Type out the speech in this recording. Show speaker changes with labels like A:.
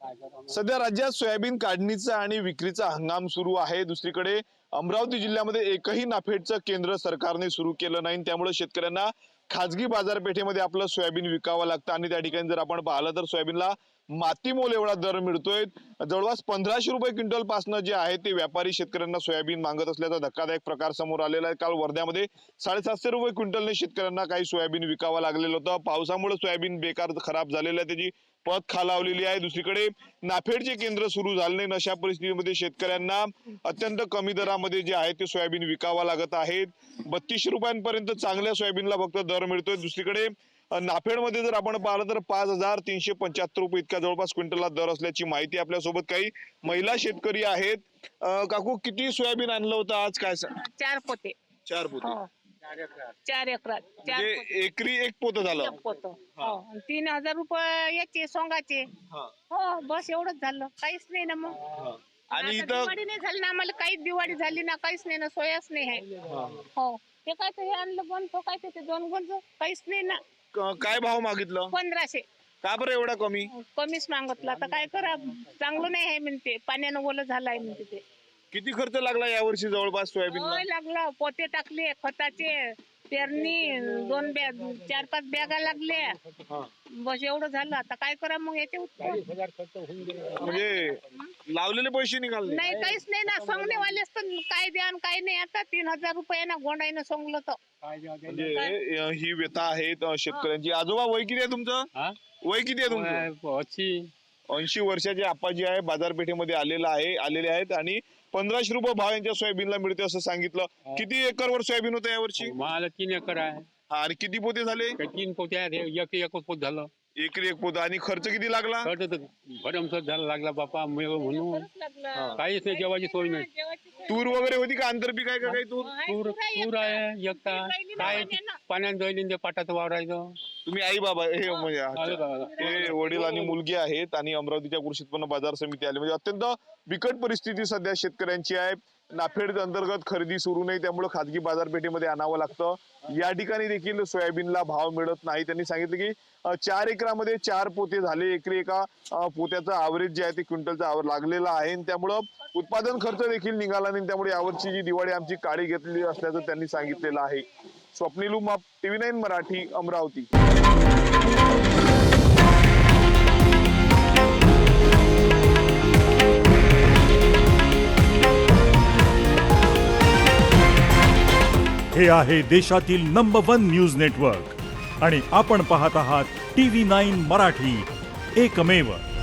A: सध्या राज्यात सोयाबीन काढणीचा आणि विक्रीचा हंगाम सुरू आहे। दुसरीकडे अमरावती जिल्ह्यामध्ये एकही नाफेडचं केंद्र सरकारने सुरू केलं नाही, त्यामुळे शेतकऱ्यांना खाजगी बाजारपेठेमध्ये आपलं सोयाबीन विकावं लागतं आणि त्या ठिकाणी जर आपण पाहिलं तर सोयाबीनला मातीमोल एवढा दर मिळतोय। जवळपास 1500 रुपये क्विंटल पासनं जे आहे ते व्यापारी शेतकऱ्यांना सोयाबीन मागत असल्याचा धक्कादायक प्रकार समोर आलेला आहे। काल वर्ध्यामध्ये 750 रुपये क्विंटलने शेतकऱ्यांना काही सोयाबीन विकावं लागलेलं होतं। पावसामुळे सोयाबीन बेकार खराब झालेलं आहे, त्याची पत खालावलेली आहे। दुसरीकडे नाफेडचे केंद्र सुरू झाले नाही, अशा परिस्थितीमध्ये शेतकऱ्यांना अत्यंत कमी दरामध्ये जे आहे ते सोयाबीन विकावा लागत आहेत। 3200 रुपयांपर्यंत चांगल्या सोयाबीनला फक्त दर मिळतोय। दुसरीकडे नाफेडमध्ये जर आपण पाहिलं तर 5375 रुपये इतका जवळपास क्विंटलला दर असल्याची माहिती आपल्यासोबत काही महिला शेतकरी आहेत। काकू, किती सोयाबीन आणलं होतं आज, काय
B: 4 पोते
A: 4 पोते
B: 4 एकरात 4
A: म्हणजे एकरी एक पोतं झालं।
B: पोत 3000 रुपये याचे सोंगाचे। हो, बस एवढंच झालं, काहीच नाही ना मग।
A: आणि
B: आता
A: इथं
B: दिवाळी नाही झाली ना, आम्हाला काहीच दिवाळी झाली ना, काहीच नाही ना, सोयाच नाही आहे। हो, ते काय ते हे आणलं पण तो काय ते 2 गुंज काहीच नाही ना।
A: काय भाव मागितलं?
B: 1500
A: का बरं एवढा कमी?
B: कमीच मागितलं, आता काय करा, चांगलं नाही आहे म्हणते, पाण्यानं ओलं झालं आहे म्हणते ते।
A: किती खर्च लागला यावर्षी जवळपास सोयाबीनला?
B: होय, लागला, पोते टाकले, खताचे, पेरणी, 2 बॅग 4-5 बॅगा लागल्या, बस एवढं झालं। आता काय करा मग याचे
A: म्हणजे लावलेले पैसे निघाले
B: नाही, काहीच नाही ना। सोंगणेवालेच तर काय द्या आणि काय नाही। आता 3000 रुपये ना गोंडाईनं सोंगलं तर
A: म्हणजे ही व्यथा आहे शेतकऱ्यांची। आजोबा, वय किती आहे तुमचं? वय किती आहे तुमचं? 80 वर्षाचे आप्पाजी आहे, बाजारपेठेमध्ये आलेले आहेत आणि 1500 रुपये भाव यांच्या सोयाबीनला मिळते असं सांगितलं। किती एकरवर सोयाबीन होतं यावर्षी?
C: मला 3 एकर आहे।
A: आणि किती पोते झाले?
C: 3 पोते आहेत, एक पोत झालं।
A: एकरी एक पोत। आणि खर्च किती लागला?
C: खर्च तर भरमसाठ झाला लागला बापा, म्हणून काहीच नाही, जेवायची सोय नाही।
A: तूर वगैरे होती का? आंतरपीक आहे का काही?
C: तूर आहे एकटा, काय पाण्यात जाईल ते पाटाचं वावरायचं।
A: तुम्ही आई बाबा हे म्हणजे हे वडील आणि मुलगी आहेत आणि अमरावतीच्या कृषी उत्पन्न बाजार समिती आली, म्हणजे अत्यंत बिकट परिस्थिती सध्या शेतकऱ्यांची आहे। नाफेड अंतर्गत खरेदी सुरू नाही, त्यामुळे खाजगी बाजारपेठेमध्ये आणावं लागतं। या ठिकाणी देखील सोयाबीनला भाव मिळत नाही। त्यांनी सांगितलं की 4 एकरामध्ये 4 पोते झाले, एकरी एका पोत्याचा ॲव्हरेज जे आहे ते क्विंटलचा लागलेला आहे, त्यामुळं उत्पादन खर्च देखील निघाला नाही। त्यामुळे यावर्षी जी दिवाळी आमची काळी घेतलेली असल्याचं त्यांनी सांगितलेलं आहे। स्वप्नील उमाप, TV9 मराठी, अमरावती।
D: हे आहे देशातील नंबर 1 न्यूज नेटवर्क आणि आपण पाहत आहात TV9 मराठी, एकमेव।